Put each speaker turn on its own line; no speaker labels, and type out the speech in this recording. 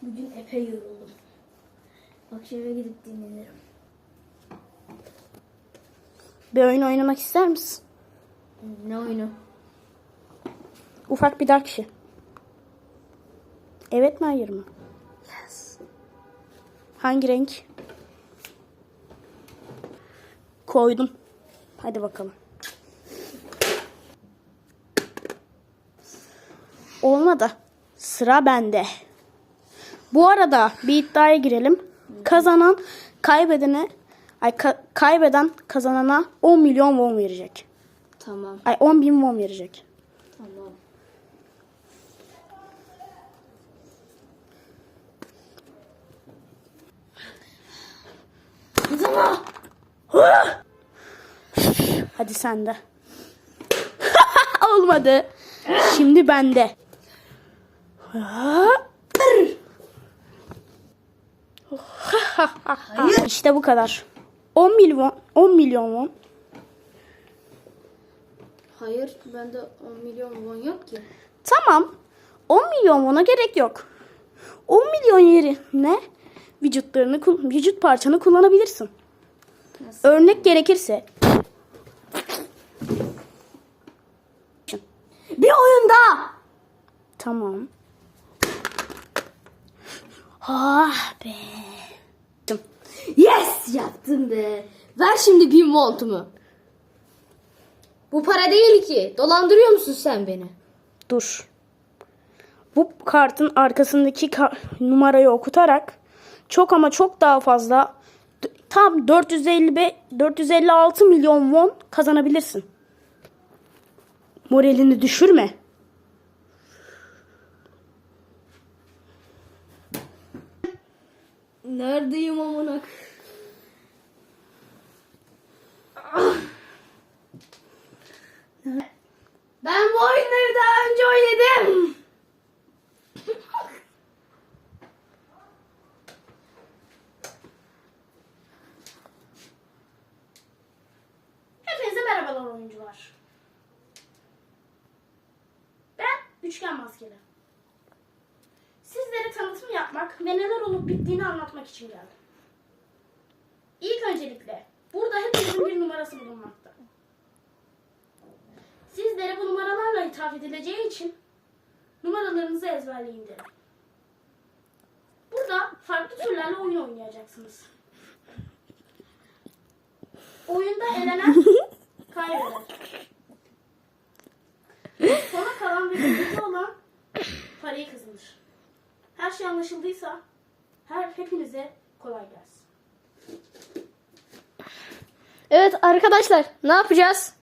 Bugün epey yoruldum. Akşam eve gidip dinlenirim.
Bir oyun oynamak ister misin?
Ne oyunu?
Ufak bir dark işi. Evet mi hayır mı?
Yes.
Hangi renk? Koydum. Hadi bakalım. Olmadı. Sıra bende. Bu arada bir iddiaya girelim. Kazanan kaybeden kazanana 10 milyon won verecek.
Tamam.
10 bin won verecek.
Tamam. Tamam.
Hadi sen de. Olmadı. Şimdi bende. İşte bu kadar. 10 milyon won.
Hayır, bende 10 milyon won yok ki.
Tamam. 10 milyon won'a gerek yok. 10 milyon yerine vücut parçanı kullanabilirsin.
Nasıl?
Örnek gerekirse.
Bir oyunda.
Tamam. Ah be.
Yes, yaptım be. Ver şimdi 1000 voltumu. Bu para değil ki. Dolandırıyor musun sen beni?
Dur. Bu kartın arkasındaki numarayı okutarak çok ama çok daha fazla tam 456 milyon won kazanabilirsin. Moralini düşürme.
Neredeyim amına? Ben bu oyunları daha önce oynadım.
Hepinize merhabalar oyuncular. Ben Üçgen Maskeli. Sizlere tanıtım yapmak ve neler olup bittiğini anlatmak için geldim. İlk öncelikle burada hepinizin bir numarası bulunmakta. Sizlere bu numaralarla hitap edileceği için numaralarınızı ezberleyin derim. Burada farklı türlerle oyun oynayacaksınız. Oyunda elenen kaybeder. Sona kalan ve birlikte olan parayı kazanır. Her şey anlaşıldıysa hepinize kolay gelsin.
Evet arkadaşlar, ne yapacağız?